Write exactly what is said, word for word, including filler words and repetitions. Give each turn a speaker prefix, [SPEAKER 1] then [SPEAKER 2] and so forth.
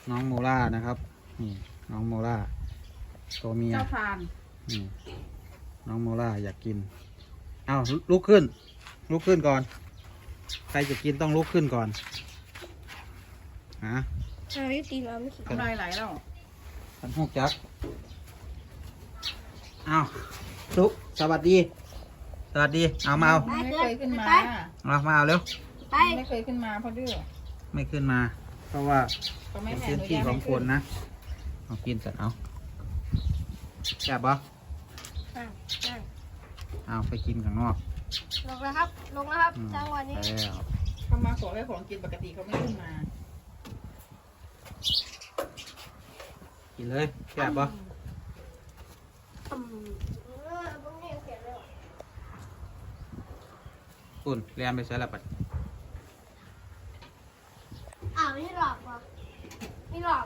[SPEAKER 1] น้องโมล่านะครับนี่น้องโมล่าตัวเมีย
[SPEAKER 2] เจ้าพาน
[SPEAKER 1] นี่น้องโมล่าอยากกินเอาลุกขึ้นลุกขึ้นก่อน ใครจะกินต้องลุกขึ้นก่อนฮะ
[SPEAKER 3] ทำไมตีมาไม่คิด
[SPEAKER 2] น้ำลายไหลแล้ว
[SPEAKER 1] ขันหกจักเอาลุกสวัสดีสวัสดีเอามาเอา
[SPEAKER 2] ไม่เคยขึ้นมา
[SPEAKER 1] เอามาเอาเร็ว
[SPEAKER 3] ไป
[SPEAKER 2] ไม่เคยขึ้นมาเพราะดื้อ
[SPEAKER 1] ไม่ขึ้นมา เพราะว่า
[SPEAKER 2] ก็ไม่
[SPEAKER 1] เป็น
[SPEAKER 2] แผ่
[SPEAKER 1] พื้น
[SPEAKER 2] อนุ
[SPEAKER 1] ที่
[SPEAKER 2] ญาต
[SPEAKER 1] ของ
[SPEAKER 2] ให้
[SPEAKER 1] ค
[SPEAKER 2] ขึ้
[SPEAKER 1] นนะเอากินเสร็จเอาแซ่บปะ
[SPEAKER 3] นั่งนั่ง
[SPEAKER 1] เอาไปกินข้างนอก
[SPEAKER 3] ลงแล้วครับ ลงแล้วครับ
[SPEAKER 1] อืม
[SPEAKER 3] จังหวะนี้
[SPEAKER 1] แล้ว
[SPEAKER 2] เขามาขอให้ของกินปกติเขาไม่ขึ้นมา
[SPEAKER 1] กินเลยแซ่บปะ
[SPEAKER 3] อืมเออพวกนี้เขียนเลยว่ะ
[SPEAKER 1] คุณเรียนไปใช้ละปัด
[SPEAKER 3] อ้าวไม่หลอกว่ะไม่หลอก